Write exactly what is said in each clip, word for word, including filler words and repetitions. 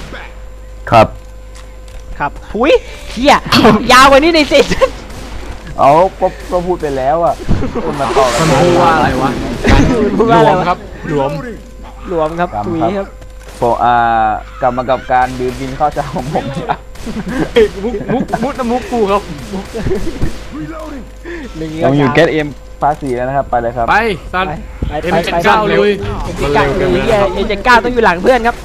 ครับครับหุยเฮียยาวกว่านี้ในซีซั่นเอาก็ก็พูดไปแล้วอ่ะคุณมาต่อกันมันพูดว่าอะไรวะพูดหลว่าอะไรวมวะครับหลวมหลวมครับถุยครับโฟอ่ากลับมากับการดื่มบินข้าวเช้าของผมครับมุกมุกมุกน้ำมุกกูครับหนึ่งยังอยู่เกตเอ็มภาษีแล้วนะครับไปเลยครับไปสันไปเอ็มไปเจ็ดไปเก้าลุยเอ็มเจ็ดเก้าลุยเอ็มเจ็ดเก้าต้องอยู่หลังเพื่อนครับ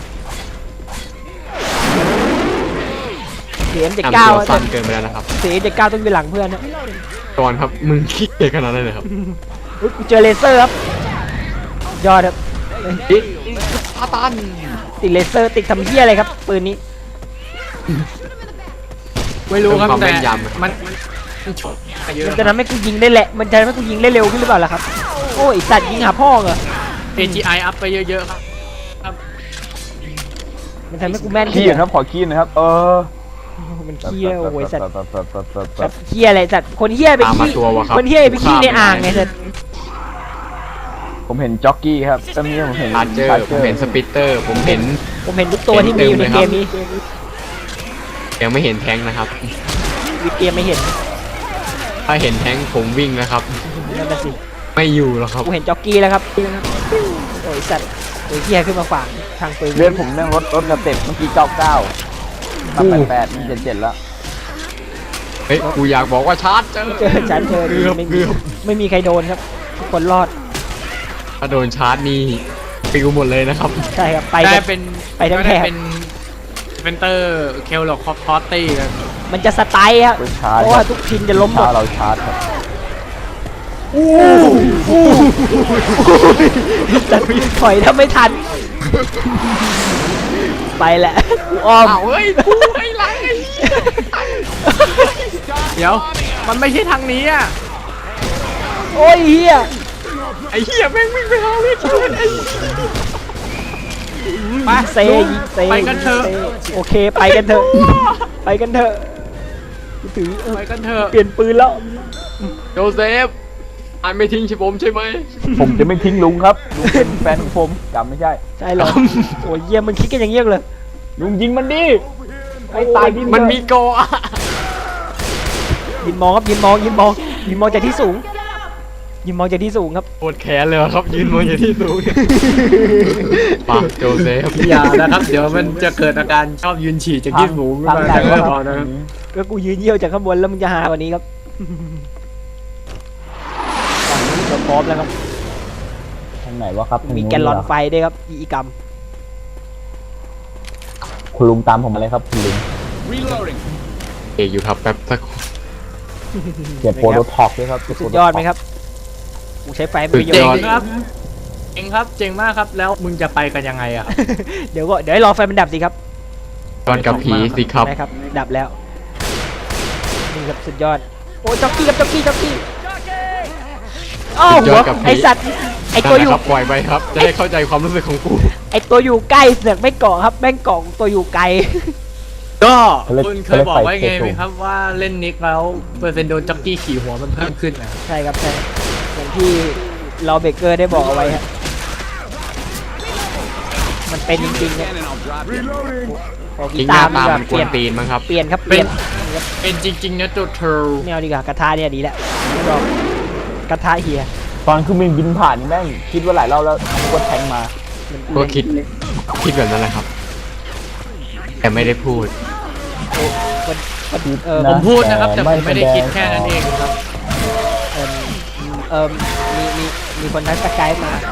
เสียงเจ็ดทำเก้าตัวสั้นเกินไปแล้วนะครับเสียงเจ็ดเก้าต้องอยู่หลังเพื่อนนะก่อนครับมึงขี้เกียจขนาดนั้นเลยครับอุ๊ยกูเจอเลเซอร์ครับยอดครับพาตันติดเลเซอร์ติดทำเหี้ยอะไรครับปืนนี้ไม่รู้ครับแต่มันมันฉกเยอะมันจะทำให้กูยิงได้แหละมันจะทำให้กูยิงได้เร็วขึ้นหรือเปล่าล่ะครับโอ้ยสัตว์ยิงหาพ่อเหรอเอ จี ไอ อัพไปเยอะๆครับครับมันทำให้กูแม่นขี้ขึ้นครับขอขี้นะครับเออมันเหี้ยโอ้ยสัตว์สัตว์สัตว์สัตว์สัตว์สัตว์เหี้ยอะไรสัตว์คนเหี้ยไปตามมาขี้ตัววะครับคนเหี้ยไปขี้ในอ่างไงสัตว์ผมเห็นจ็อกกี้ครับตอนนี้ผมเห็นชาร์เจอร์ผมเห็นสปิตเตอร์ผมเห็นผมเห็นทุกตัวที่มีอยู่ในเกมนี้ยังไม่เห็นแทงค์นะครับวิเกมไม่เห็นถ้าเห็นแทงค์ผมวิ่งนะครับนั่นน่ะสิไม่อยู่หรอกครับกูเห็นจ็อกกี้แล้วครับโอ้ยสัตว์โอ้ยเหี้ยขึ้นมาขวางทางปืนเลื่อนผมเรื่องรถรถกระเต็บเมื่อกี้เก้าเก้าตั้งแปดแปดมีเจ็ดเจ็ดแล้วเฮ้ยกูอยากบอกว่าชาร์จเจอเจอฉันเจอเกือบไม่มีเกือบไม่มีใครโดนครับทุกคนรอดถ้าโดนชาร์จนี่ปิวหมดเลยนะครับใช่ครับไปได้กันเป็นไปทั้งก็แถได้บเป็นเวนเตอร์เคลหลอกคอร์ตี้กันมันจะสไตล์ครับไปชาร์จเพราะว่าทุกทีมจะล้มหมชาดร์จเราชาร์จครับแต่ถอยถ้าไม่ทัน ไปแหละกูอ้อมอ้าวเฮ้ยกูไอ้ไรเดี๋ยวมันไม่ใช่ทางนี้อ่ะโอ้ยเฮียไอ้เหี้ยแม่งวิ่งไปหาเวทีไอ้ไปเซยิงเซไปกันเถอะซโอเคไปกันเถอะ ไปกันเถอะกูถือเออไปกันเถอะเปลี่ยนปืนแล้วโจเซฟอันไม่ทิ้งใช่ผมใช่ไหมผมจะไม่ทิ้งลุงครับลุงเป็นแฟนของผมจำไม่ใช่ใช่เหรอโอ้ยเยี่ยมมึงคิดกันอย่างเงี้ยเลยลุงยิงมันดิให้ตายดิมันมีโกอะยินมองครับยินมองยินมองยินมองจากที่สูง ยินมองจากที่สูงครับปวดแขนเลยครับยืนมองอยู่ที่สูงปากโจเซฟอย่านะครับเดี๋ยวมันจะเกิดอาการชอบยืนฉี่จากที่สูงทางไหนไม่วะพอคนะรับก็กูยืนเยี่ยวจากข้างบนแล้วมึงจะหากว่านี้ครับฝั่งนี้เราพร้อมแล้วครับทางไหนวะครับมีแกลลอนไฟด้วยครับอีกรรมคุณลุงตามผมมาเลยครับคุณลุงเอกอยู่ครับแป๊บสักเก็บโปรโตท็อกด้วยครับสุดยอดไหมครับกูใช้ไฟเป็นประโยชเจ๋งน์ครับเจ๋งครับเจ๋งมากครับแล้วมึงจะไปกันยังไงอะเดี๋ยวก็เดี๋ยวให้รอไฟมันดับสิครับตอนกับผีสิครับได้ครับดับแล้วนี่ครับสุดยอดโอ้จ็อกกี้ครับจ็อกกี้จ็อกกี้อ้าวหัวไอสัตว์ไอตัวอยู่นั่นแหละครับปล่อยไปครับ จะได้เข้าใจความรู้สึกของกูไอตัวอยู่ใกล้เสือกไม่เกาะครับแม่งเกาะตัวอยู่ไกลก็คุณเคยบอกไว้ไงไหมครับว่าเล่นนิกแล้วเปอร์เซ็นต์โดนจ็อกกี้ขี่หัวมันเพิ่มขึ้นนะใช่ครับใช่อย่างที่เราเบเกอร์ได้บอกเอาไว้ฮะมันเป็นจริงๆเนี่ยพอจกีริงหตาน้าร์มันตาก็มันกเปวลี่นยนตีนมั้งครับเปลี่ยนครับเปเป็ลี่ยนนเป็นจริงๆนะตัวเธอไม่เอาดีกว่ากระทะเนี่ยดีแล้วไม่บอกกระทะเฮียตอนคือมึงบินผ่านนี่แม่งคิดว่าหลายรอบแล้วกดแทงมาก็คิดคิดแบบนั้นแหละครับ แต่ไม่ได้พูดเออผมพูดนะครับแต่ผมไม่ได้คิดแค่นั้นเองครับเออเออมีมีมีคนทักสกายมา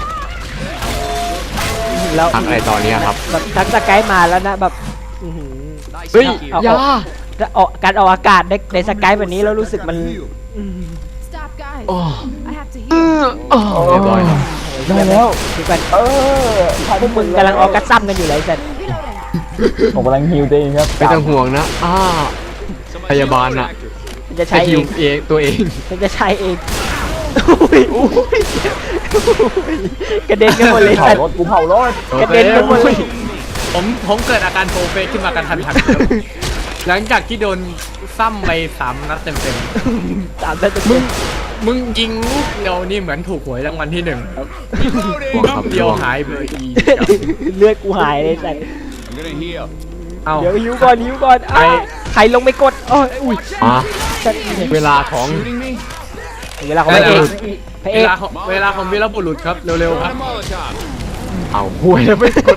แล้วทักอะไรตอนนี้ครับแบบทักสกายมาแล้วนะแบบอื้อหือเฮ้ยเอาอย่าจะออกการออกอากาศในในสกายแบบนี้แล้วรู้สึกมันอื้อหือ Stop, guys. โอ้ I have to heal. เรียบร้อยครับได้แล้วคือกันเออพวกมึงกำลังออกกระซ้ำกันอยู่เลยสัตว์ผมกำลังฮิวตัวเองครับไม่ต้องห่วงนะอ้าพยาบาลน่ะมันจะใช้ใช้เอฮิวงเองตัวเองมันจะใช้เองอุ้ยอุ้ยกระเด็นกันหมดเลยเผาสัตว์รถกูเผารถกระเด็นกันหมดเลยผมผมเกิดอาการโปรเฟสขึ้นมากระทันหันครับหลังจากที่โดนซ้ำไปสามนัดเต็มสามนัดเต็มๆมึงมึงยิงลูกเดียวนี่เหมือนถูกหวยรางวัลที่หนึ่งลูกเดียวหายไปอีกเลือดกูหายเลยสัตว์เอาเดี๋ยวหิวก่อนหิวก่อนอ้าวใครลงไปกดโอ้ยอุ้ยมาจะเวลาของเวลาของพระเอกพระเอเวกลาของเวลาของวีรบุรุษครับเร็วๆครับเอาห่วยแล้วไม่กด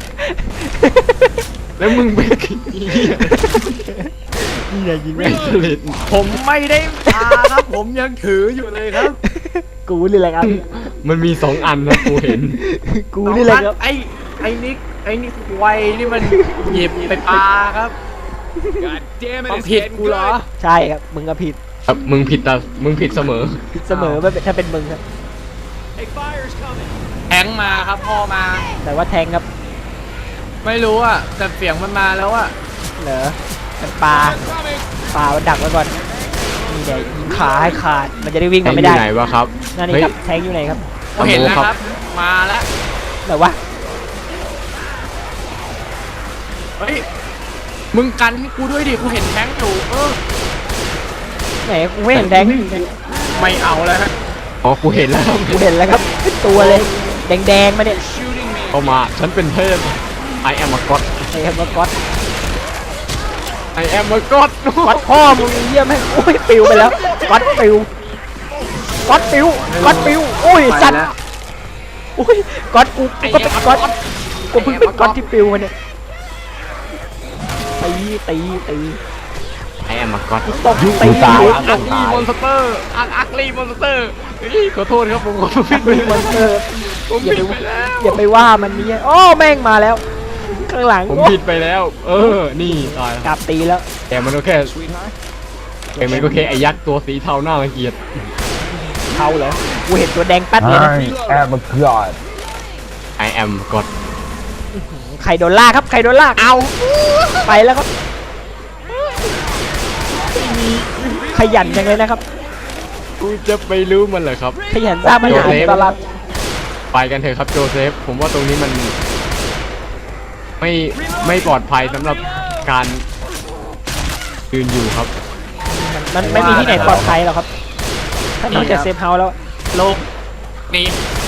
แล้วมึงไปกี่นี่ไงยิงไม่สลิดผมไม่ได้พาครับผมยังถืออยู่เลยครับกูนี่แหละครับมันมีสองอันนะกูเห็นกูนี่แหละครับไอ้ไอ้นิกไอ้นิกไวนี่มันหยิบไปปาครับต้องผิดกูเหรอใช่ครับมึงก็ผิดครับมึงผิดแต่มึงผิดเสมอผิดเสมอไม่เป็นถ้าเป็นมึงครับแทงมาครับพ่อมาแต่ว่าแทงครับไม่รู้อ่ะแต่เสียงมันมาแล้วอ่ะเหรอมันปลาปลามันดักไว้ก่อนนี่เดี๋ยวยิงขาให้ขาดมันจะได้วิ่งแทมางอไม่ยู่ได้ไหนวะครับนั่นนี่เฮ้ยครับแทงอยู่ไหนครับผมเห็นแล้วครับ มาแล้วแต่ว่าเฮ้ยมึงกันให้กูด้วยดิกูเห็นแทงอยู่เออไหนกูไม่เห็นแทงไม่เอาแล้วฮะอ๋อกูเห็นแล้วครับกูเห็นแล้วครับเป็นตัวเลยแดงๆมาเนี่ยเข้ามาฉันเป็นเทพ I am a god ไอ้ครับว่าก๊อต I am a god ก๊อตพ่อมึงเยี่ยมแม่งโอ้ยปิวไปแล้วก๊อตปิวก๊อตปิวก๊อตปิวโอ้ยสัตว์โอ้ยก๊อตกูกูก็เป็นก๊อตกูเพิ่งเป็นก๊อตที่ปิวมาเนี่ยตีตีตี I am a god ตบตีตายตอับกลีมอนสเตอร์อักอักลีมอนสเตอร์ขอโทษครับผมขอโทษตีมอนสเตอร์ผมอย่าผิไปดไปแล้วอย่าไปว่ามันนี่โอ้แม่งมาแล้วข้างหลังผมโอ้ผิดไปแล้ว เออ นี่ตายกลับตีแล้วแต่มันก็แค่แต่มันก็แค่ไอ้ยักษ์ตัวสีเทาหน้ารังเกียจเขาเหรอกูเห็นตัวแดงแป๊ดเลยนะแอบมาเกือด I am god ไข่โดนลากครับไข่โดนลากเอาไปแล้วครับขยันจังเลยนะครับกูจะไปรู้มันเหรอครับขยันสร้างปัญหาโจเซฟตลอดไปกันเถอะครับโจเซฟ ผมว่าตรงนี้มันไม่ไม่ปลอดภัยสำหรับการยืนอยู่ครับมันมันไม่มีที่ไหนปลอดภัยหรอกครับถ้านอกจากเซฟเฮาส์แล้วลงนี่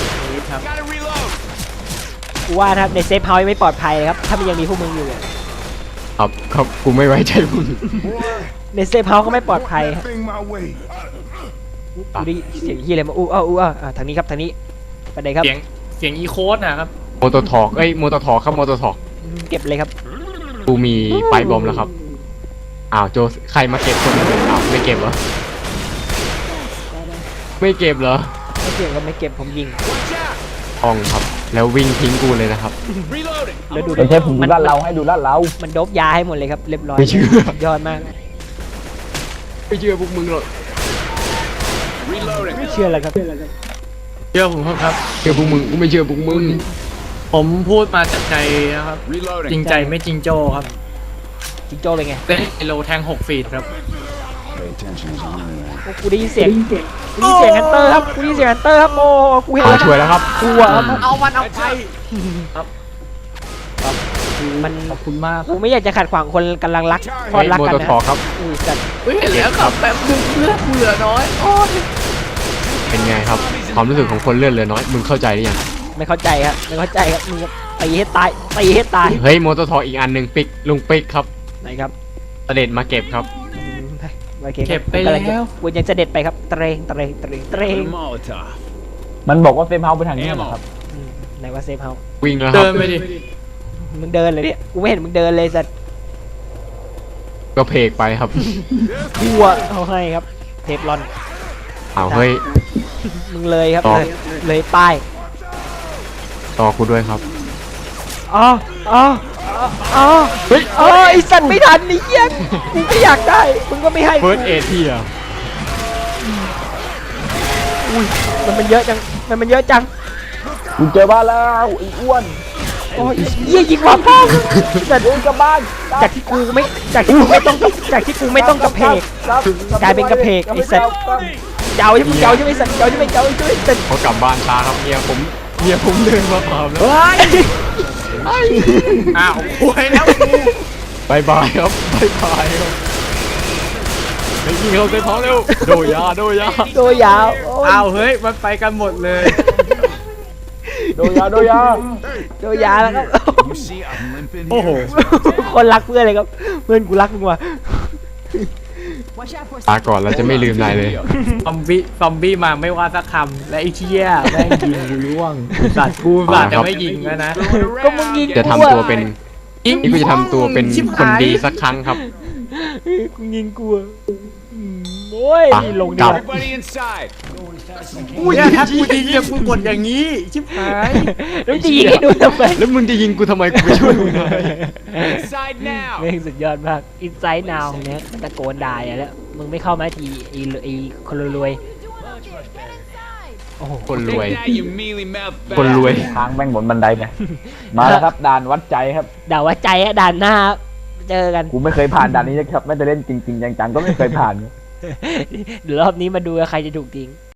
กูว่านะครับในเซฟเฮาส์ยังไม่ปลอดภัยเลยครับถ้ามันยังมีพวกมึงอยู่อะครับครับกูไม่ไว้ใจมึงในเซฟเฮาส์ก็ไม่ปลอดภัยครับ Thing my way. กูได้เสียงยี่อะไรมาอู้อ้าวอู้อ้าวอ่าทางนี้ครับทางนี้ไปไหนครับเสียงเสียงอีโคดนะครับโมโตทอกเอ้ยโมโตทอกครับโมโตทอกเก็บเลยครับกูมีไปบอมแล้วครับอ้าวโจใครมาเก็บคนนึงอ้าวไม่เก็บเหรอไม่เก็บเหรอไม่เก็บก็ไม่เก็บผมยิงทองครับ แล้ววิ่งทิ้งกูเลยนะครับแล้วดูเป็นเทพผมดูลาดเราให้ดูลาดเรามันโดบยาให้หมดเลยครับเรียบร้อยไม่เชื่อสุดยอดมากไม่เชื่อพวกมึงหรอกไม่เชื่อเลยครับเชื่อผมครับเชื่อพวกมึงกูไม่เชื่อพวกมึงผมพูดมาจากใจนะครับ จริงใจไม่จริงโจครับจิงโจ้เป็นไงเป็นโลแทงหกฟีดครับ Pay attention as I'm in there. โอ้กูได้ยินเสียงกูได้ยินเสียงฮันเตอร์ครับกูได้ยินเสียงฮันเตอร์ครับโอ้กูเห็นเอาแล้วช่วยแล้วครับกลัวครับเอามันเอาไปมันขอบคุณมากกูไม่อยากจะขัดขวางคนกำลังรักพอรักโมกันโตนะทอกครับอุ้ยจัดเฮ้ยเห็นแล้วครับแบบมึงเลือดกูเหลือน้อยโอ้ยเป็นไงครับ ความรู้สึกของคนเลือดเหลือน้อย มึงเข้าใจหรือยังไม่เข้าใจครับไม่เข้าใจครับมึงตีให้ตายตีให้ตายเฮ้ยโมโตทอกอีกอันหนึ่งปิกลุงปิกครับไหนครับเสด็จมาเก็บครับอืมไปโอเคเก็บไปผมกำงจะแล้วกูยังจะเด็ดไปครับเตรงเตรงเตรงเตรงมันบอกว่าเซฟเฮาส์ไปทางนี้นะครับอืมไหนว่าเซฟเฮาส์วิ่งแล้วครับเดินไปดิมึงเดินเลยเนี่ยกูไม่เห็นมึงเดินเลยสัตว์ก็เพกไปครับกลัวเอาให้ครับเทปลอนเอาเฮ้ยมึงเลยครับต่อเลยเลยป้ายต่อกูด้วยครับอ๋ออ๋ออ๋ออ๋อเฮ้ยอ๋อไอสัตว์ไม่ทันไอ้เหี้ยกูก็อยากได้มึงก็ไม่ให้เฟิร์สเอที่อ่ะอุ้ยมันมันเยอะจังมันมันเยอะจังกูเจอบ้านแล้วไอ้อ้วนโอ้ยเหี้ยยิงหัวพ่อแต่เดินกลับบ้านจากที่กูไม่จากที่กูไม่ต้องจากที่กูไม่ต้องกระเพกครับกลายเป็นกระเพกไอ้สัตว์ เจ้าใช่ไหมเจ้าใช่ไหมสัตว์เจ้าใช่ไหมเจ้าใช่ไหมสัตว์เขากลับบ้านช้าครับเมียผมเมียผมเดินมาถามแล้วอ้าวโวยแล้วกูบายบายครับบายบายครับไปยิงเขาเต็มท้องเร็วโดยยาโดยยาตัวยาวโอ้ยอ้าวเฮ้ยมันไปกันหมดเลยโดยาโดยาโดยาแล้วครับ You see, I'm limping โอ้โห here. คนรักเพื่อนเลยครับ เพื่อนกูรักมึงว่ะ Watch out for ตาก่อนเราจะไม่ลืมนายเลยซอมบี้ซอมบี้มาไม่ว่าสักคำและไอ้เชี่ยแม่งยิงกูร่วงสัตว์กูสัตว์จะไม่ยิงแล้วนะก็มึงยิงจะทำตัวเป็นนี่กูจะทำตัวเป็นคนดีสักครั้งครับกูยิงกูอะอืมโอ้ยอ่ะลงดีกลักบว่า Everybody inside. กูเนี่ยถ้ากูยิงเนี่ยกูกดอย่างนี้ ชิบหายแล้วจะยิงให้ดูทำไมแล้วมึงจะยิงกูทำไมกูไปช่วยมึงไง Inside now. แม่งสุดยอดมากอินไซด์นาวเนี่ยตะโกนด่าอย่าแล้วมึงไม่เข้ามาทีไอ้ไอ้คนรวย you doing up there? Get inside. ๆโอ้โหคนรวย Take that, you mealy mouth คนรวยทางแม่งบนบันไดไปมาแล้วครับด่านวัดใจครับด่าว่าใจอะด่านหน้าครับเจอกันกูไม่เคยผ่านด่านนี้นะครับไม่ได้เล่นจริงๆจังๆก็ไม่เคยผ่านเดี๋ยวรอบนี้มาดูว่าใครจะถูกทิ้ง